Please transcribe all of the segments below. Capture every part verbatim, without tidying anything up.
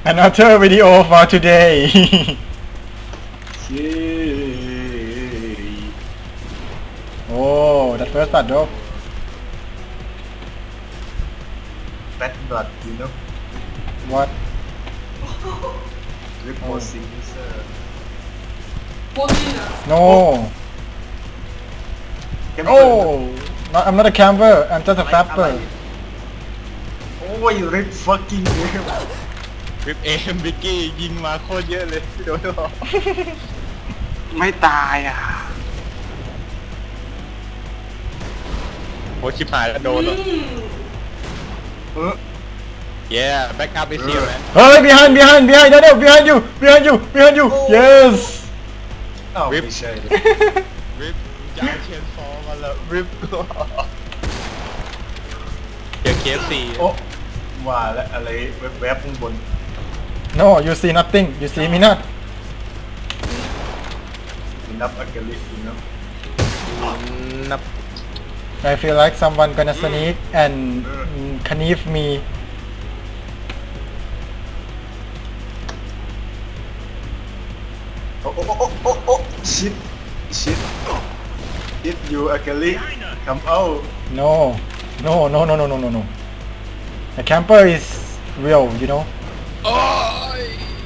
Another video for today. Oh, that first part though. Bad blood, you know. What? Reposing user. No. Oh, not, I'm not a camper. I'm just a flapper. Oh, you rip fucking game. วิปเอมบิกกี้ยิงมาโคตรเยอะเลยโดนหรอไม่ตายอ่ะโอ้ชิบหายแล้วโดนแล้ว yeah back up is here man Hey, behind, behind, behind, no, no, behind you, behind you, behind you. Yes. อ้าว Rip ไม่ใช่วิปจะเอาเชนฟอร์มาแล้ววิปเจอเคฟซีโอ้ว่าแล้วอะไรแวบๆข้างบน No, you see nothing. You see me not. นับอากาลิอยู่เนาะนับ I feel like someone gonna sneak and mm, knife me. โอ้โอ้โอ้โอ้โอ้ชิดชิดชิดอยู่อากาลิ come out No, no, no, no, no, no, no, no. The camper is real, you know. โอ้ย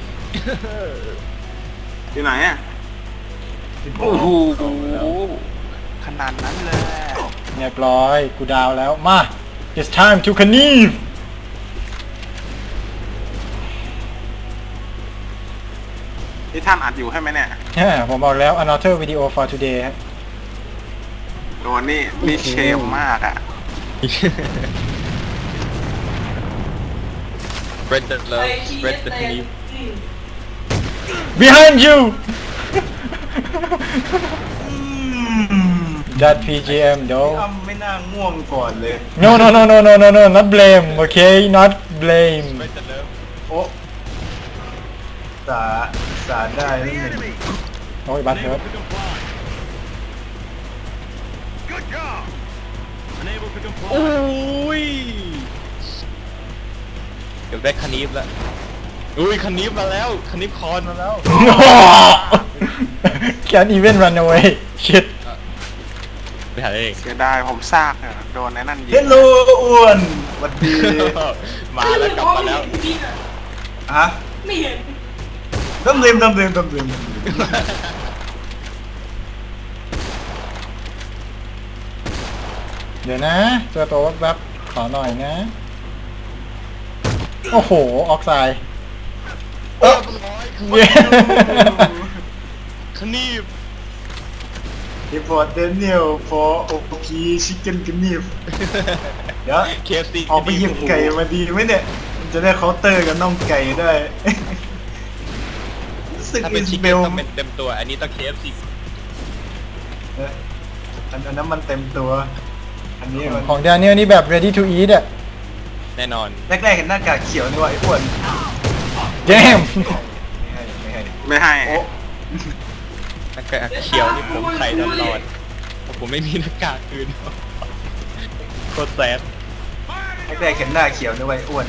ที่ไหนอ่ะ โอ้โห ขนาดนั้นเลยเรียบร้อยกูดาวแล้วมา it's time to canive ที่ท่านอัดอยู่ใช่ไหมเนี่ยแฮ่ผมบอกแล้ว another video for today ฮะโดนนี่นี่เชมมากอ่ะ spread the love spread the knee behind you that พี จี เอ็ม though อ้ำไม่น่าง่วงก่อนเลย no no no no no no no not blame okay not blame spread the love โอ้สาสาได้นิดหนึ่งโอ้ยบัตรเฮิร์ตโอ้ยเดี๋ยวได้คณิฟแล้วอุ้ยคณิฟมาแล้วคณิฟคอนมาแล้ว can't even run away shit ไปหาเองเสียดายผมซากอะโดนในนั่นยิเฮงลโลอ้วนสวัสดีมาแล้วกลับมาแล้วฮะไม่เห็นดำเรียมดำเรียมดำเรียมเดี๋ยวนะเจอตัวแวบๆขอหน่อยนะ โอ้โห ออกไซด์เรียบร้อยเย้คณิฟรีพอร์ตเดนิเอล for โอพีชิคเก้นกันนิฟเดี๋ยวเคฟซีออกไปหยิบไก่มาดีไหมเนี่ยมันจะได้เคาน์เตอร์กับน่องไก่ได้รู้สึกถ้าอิเป็นสชิคเบเก้นลต้องเป็นเต็มตัวอันนี้ต้องเคฟซีอันอันนั้นมันเต็มตัว อันนี้มันของแดเนียลนี่แบบ ready to eat อะแน่นอนแรกๆเห็นหน้ากากเขียวนี่ว่าไอ้อ้วน damn ไม่ให้ไม่ให้ไม่ให้โอ้หน้ากากเขียวนี่ผมใส่ตลอดผมไม่มีหน้ากากอื่นโคตรแซ่บแรกๆเห็นหน้าเขียวนี่ว่าไอ้อ้วน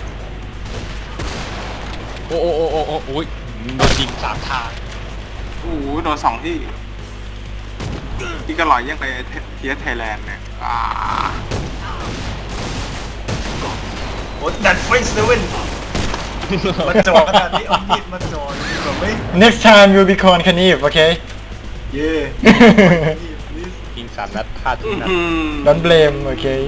โอ้โอ้โอ้โอ้โอ้โอ้ยโดนยิงสามทางโอ้โหโดนสองที่ ที่ก็ลอยยังไปเทียไทยแลนด์เนี่ยอ่าโอ้ดัดไฟเซเว่นมาจอขนาดนี้เอามีดมาจอดีกว่าไหม next time you'll be called Knife okay เย่ยิงสามนัดพลาดทุกนัดอืม don't blame okay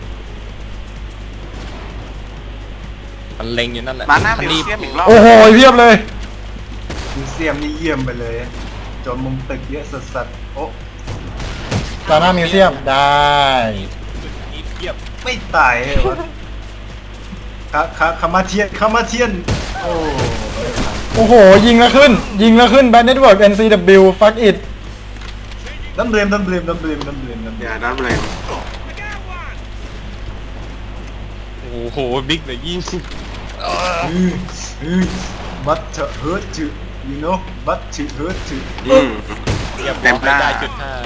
มันเล็งอยู่นั่นแหละมาหน้าคัมิวนี้เซียมอีกรอบโอ้โหเพียบเลยมิวเซียมนี่เยี่ยมไปเลยจนมุมตึกเยอะสัสๆโอ้ตอนหน้ามิวเซียมได้นี่เทียบไม่ตายเหรอวะคาคาคามาเทียนคามาเทียนโอ้โอ้โห ยิงแล้วขึ้น ยิงแล้วขึ้น Bad Network เอ็น ซี ดับเบิลยู fuck it น้ำเรียมน้ำเรียมน้ำเรียมน้ำเรียมน้ำเรีอยมย่าดับเลยโอ้โหบิ๊กเลยยิง but to hurt to you know but to hurt to อืมเทียบเต็มหน้าได้จุดห้า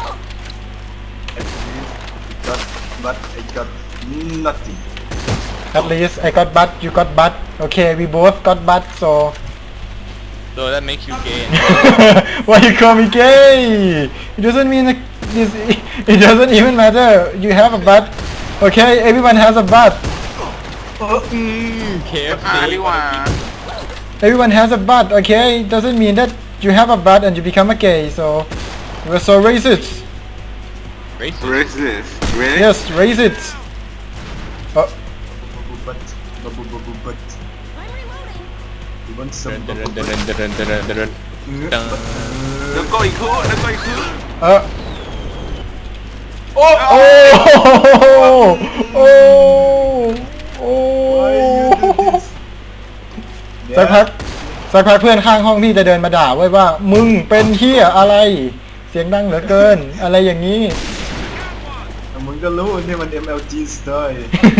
got but I got nothing At least I got butt, you got butt. Okay, we both got butt, so So that makes you gay. why you call me gay? It doesn't mean that this. It doesn't even matter. You have a butt. Okay, everyone has a butt. อืม เค เอฟอ่าซีดีกว่า Everyone has a butt. Okay, it doesn't mean that you have a butt and you become a gay. So we're so racist. racist racist really Yes, racist. Oh, but but but but but you want เดิ some นเดินเดินเดินเดินเดินเดินเออแล้วก็อีกคู่แล้วก็อีกคู่ uh. Oh, oh, oh, Why you do oh. this? สักพักสักพักเพื่อนข้างห้องพี่จะเดินมาด่าไว้ว่ามึงเป็นเฮียอะไร เสียงดังเหลือเกิน อะไรอย่างนี้มึงก็รู้นี่มัน เอ็ม แอล จี style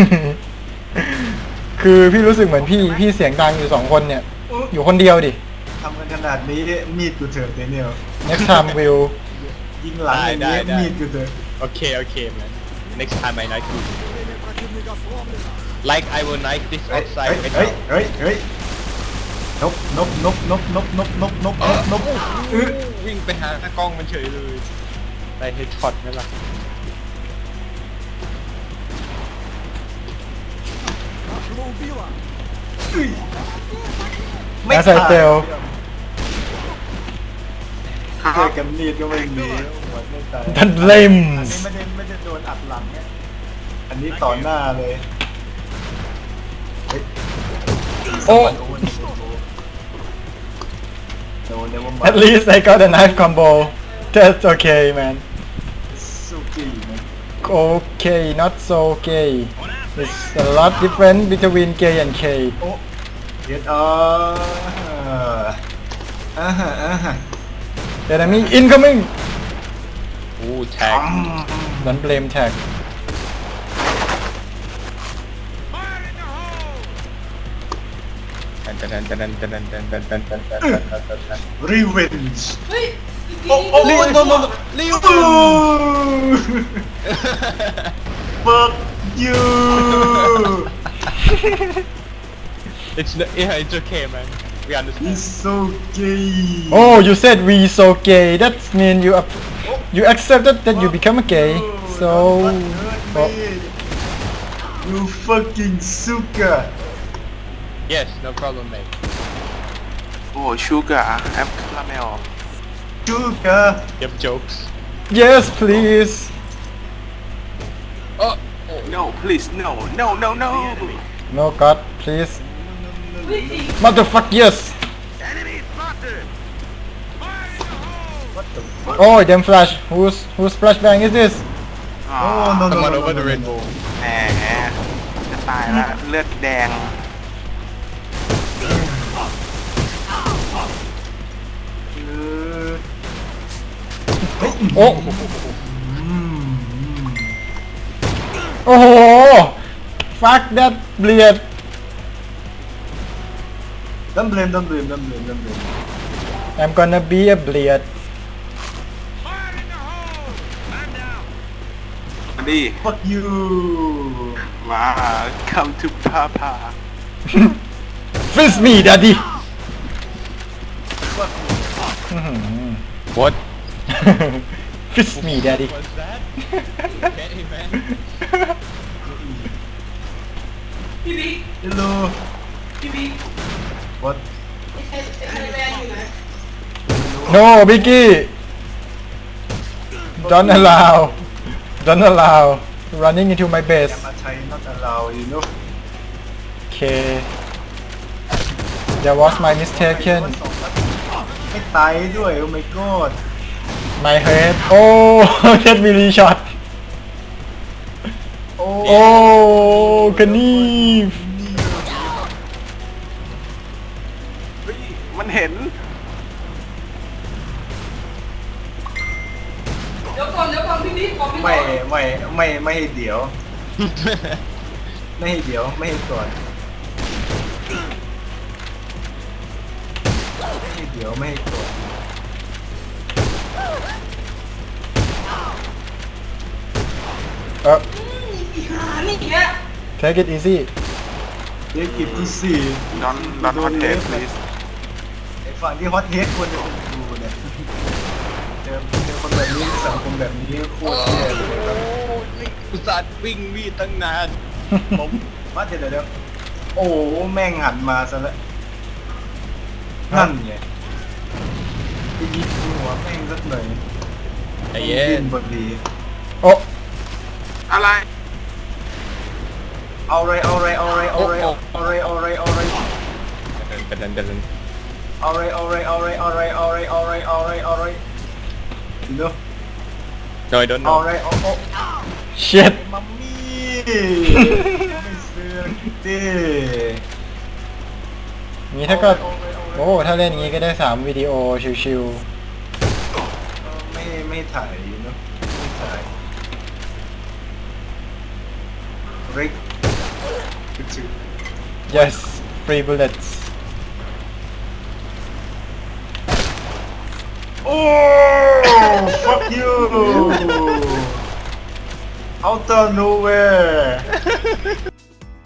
คือพี่รู้สึกเหมือนพี่พี่เสียงดังอยู่สองคนเนี่ย อยู่คนเดียวดิทำกันขนาดนี้มีดกูเถิดเดนิเอล next time will ยิงหลังอย่างได้นี้ได้มีดกูเถิดโอเค โอเค man next time I knife you like I will knife this เฮ้ย outside เฮ้ยเฮ้ยเฮ้ยนบนบนบนบนบนบนบนบนบนบเออวิ่งไปหากล้องมันเฉยเลยได้เฮดช็อตไหมล่ะไม่ As I ตาย tell เจอกันมีดก็ไม่มีหัวไม่ตาย that อัน blames นี้ไม่ได้ไม่ได้โดนอัดหลังเนี่ยอันนี้ต่อหน้าเลยเฮ้ยโอ้โดนเดี๋ยวมัน at least I got a knife combo that's okay man สุกี้นะ okay not so gay it's a lot different between gay and gay โอ้เด็ดอ่าอ่าฮะอ่าฮะ enemy incoming อู้แท็ก don't blame tag ตันตันตันตันตันตันตันตันตันตันตันตันตันตัน revenge เฮ้ยโอ้โอ้โอ้โนโนโนรีว fuck you it's no- yeah it's okay man we understand he's so gay oh you said we so gay that mean you up, you accepted that you become a gay so oh, you fucking suka yes no problem mate โอ้ชูการ์แอปคาราเมล suka you have jokes yes please oh no please no no no no no god please เฮ้ย motherfuck yes what the fuck oh damn flash whose whose flashbang is this อ๋อ oh no no come no on no over no the no rainbow แหมจะตายละเลือดแดงเออโอ้อืมโอ้โห fuck that bleed don't blame don't blame don't blame don't blame I'm gonna be a bleed มาดี fuck you มา come to papa fist me daddy อื้อหือ what fist me daddy was that okay man พี่บิ๊ก hello พี่บิ๊ก what ไอ้ไอ้ไอ้แมนอยู่ไหน no Biggie don't allow don't allow running into my อย่า base มาใช้ not allow you know okay that was my mistaken ไม่ตายด้วย oh my god my head oh that really shot โอ้ oh Knief เฮ้ยมันเห็นเดี๋ยวก่อนเดี๋ยวก่อนพี่บิ๊กบอกพี่ไม่ก่อนไม่ไม่ไม่ให้เดี๋ยว ไม่ให้เดี๋ยวไม่ให้ก่อนไม่ให้เดี๋ยวไม่ให้ก่อนเอออีหานี่แก take it easy เด็กกิบที่สี่ดอนดอนคอนเทส please ไอ้ฝั่งที่ฮอตเฮดควรจะเป็นกูเนี่ยเจอเจอคนแบบนี้สังคมแบบนี้โคตรแย่เลยครับนี่อุตส่าห์วิ่งมีดตั้งนานผมมาเดี๋ยวเดี๋ยวเดี๋ยวโอ้แม่งหันมาซะแล้วนั่นไงไปยิงหัวแม่งสักหน่อยใจเย็นบดีโอ้อะไรเอาเลยเอาเลยเอาเลยเอาเลยเอาเลยเอาเลยเอาเลยเดินเดินเดินเอาเลยเอาเลยเอาเลยเอาเลยเอาเลยเอาเลยเอาเลยเอาเลยเนาะโดยโดนเอาเลยเอาเอา shit มัมมี่ไม่ซื้อดิงี้ถ้าก็โอ้ถ้าเล่นงี้ก็ได้สามวิดีโอชิวไม่ไม่ถ่ายเนาะไม่ถ่ายริกๆ yes free bullets โอ้ fuck you out of nowhere